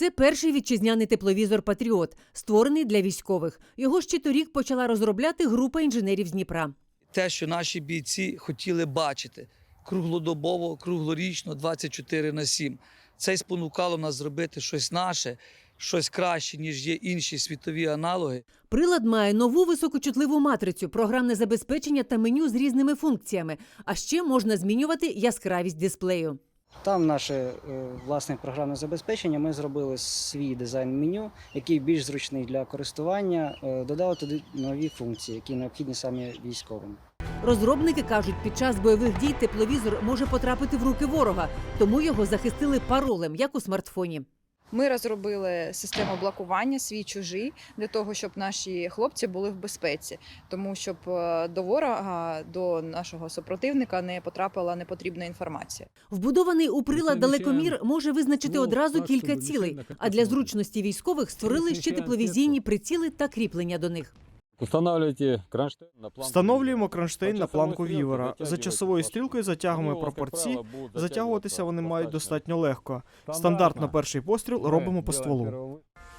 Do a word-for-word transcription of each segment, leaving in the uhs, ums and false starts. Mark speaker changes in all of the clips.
Speaker 1: Це перший вітчизняний тепловізор «Патріот», створений для військових. Його ще торік почала розробляти група інженерів з Дніпра.
Speaker 2: Те, що наші бійці хотіли бачити круглодобово, круглорічно, двадцять чотири на сім. Це й спонукало нас зробити щось наше, щось краще, ніж є інші світові аналоги.
Speaker 1: Прилад має нову високочутливу матрицю, програмне забезпечення та меню з різними функціями. А ще можна змінювати яскравість дисплею.
Speaker 3: Там наше е, власне програмне забезпечення. Ми зробили свій дизайн меню, який більш зручний для користування. Е, додали туди нові функції, які необхідні саме військовим.
Speaker 1: Розробники кажуть, під час бойових дій тепловізор може потрапити в руки ворога, тому його захистили паролем, як у смартфоні.
Speaker 4: Ми розробили систему блокування свій-чужий для того, щоб наші хлопці були в безпеці, тому щоб до ворога, до нашого супротивника не потрапила непотрібна інформація.
Speaker 1: Вбудований у прилад далекомір може визначити одразу кілька цілей, а для зручності військових створили ще тепловізійні приціли та кріплення до них.
Speaker 5: Встановлюємо кронштейн на планку вівера. За часовою стрілкою затягуємо прапорці. Затягуватися вони мають достатньо легко. Стандартно перший постріл робимо по стволу.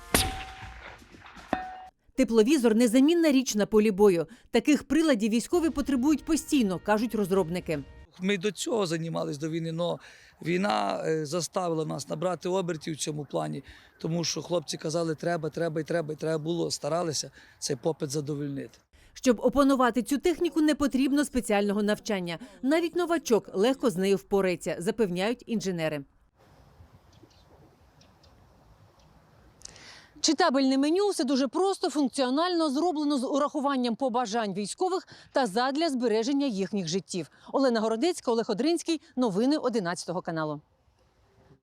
Speaker 1: Тепловізор – незамінна річ на полі бою. Таких приладів військові потребують постійно, кажуть розробники.
Speaker 2: Ми до цього займалися до війни, але війна заставила нас набрати обертів в цьому плані, тому що хлопці казали, треба, треба і треба, і треба було, старалися цей попит задовольнити.
Speaker 1: Щоб опанувати цю техніку, не потрібно спеціального навчання. Навіть новачок легко з нею впорається, запевняють інженери. Читабельне меню – все дуже просто, функціонально, зроблено з урахуванням побажань військових та задля збереження їхніх життів. Олена Городецька, Олег Одринський. Новини одинадцятого каналу.